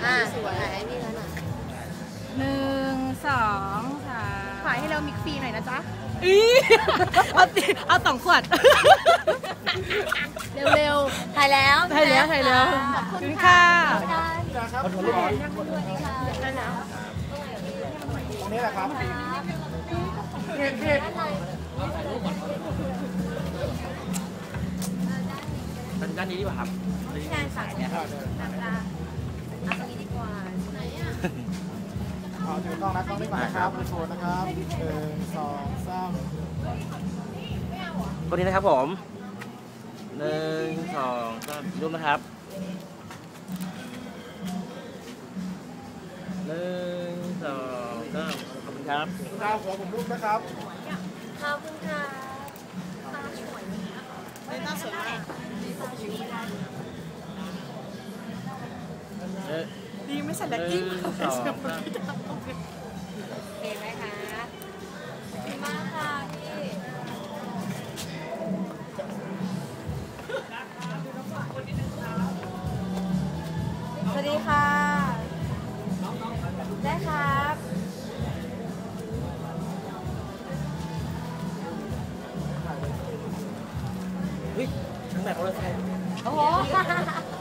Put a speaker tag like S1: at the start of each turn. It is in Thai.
S1: สวยให้พี่เขาหน่อย
S2: 1 2 3
S1: ขายให้เรามิกฟรีหน่อยนะจ๊ะ
S2: เอา2 ขวด
S1: เร็วๆถ่ายแล้ว
S2: ถ่ายแล้วขอบคุณค่ะ
S3: คนหัวลูกตรงนี้แหละครับพี่
S4: ด้านนี้ดีกว่าครับ
S1: ใช่ค่ะเนี่ยเอาตรงนี้ดีกว่าไหนอ่ะ
S3: เอาถือกล้องนะกล้องนี้ก่อนนะครับโชว์นะครับ1 2 3
S4: ตัวนี้นะครับผม1 2 3รูปนะครับ1 2 3ขอบคุณครับ
S3: ดาวหัวผมรูปนะครับ
S1: ขอบคุณค่ะตาสวยมากดีไม่ใส่แล็กกิ้งโอเคไหมคะดีมากค่ะพี่สวัสดีค่ะได้ครับ
S4: เฮ้ยทั้งแบบมอเตอร์ไซค์
S1: โอ้โห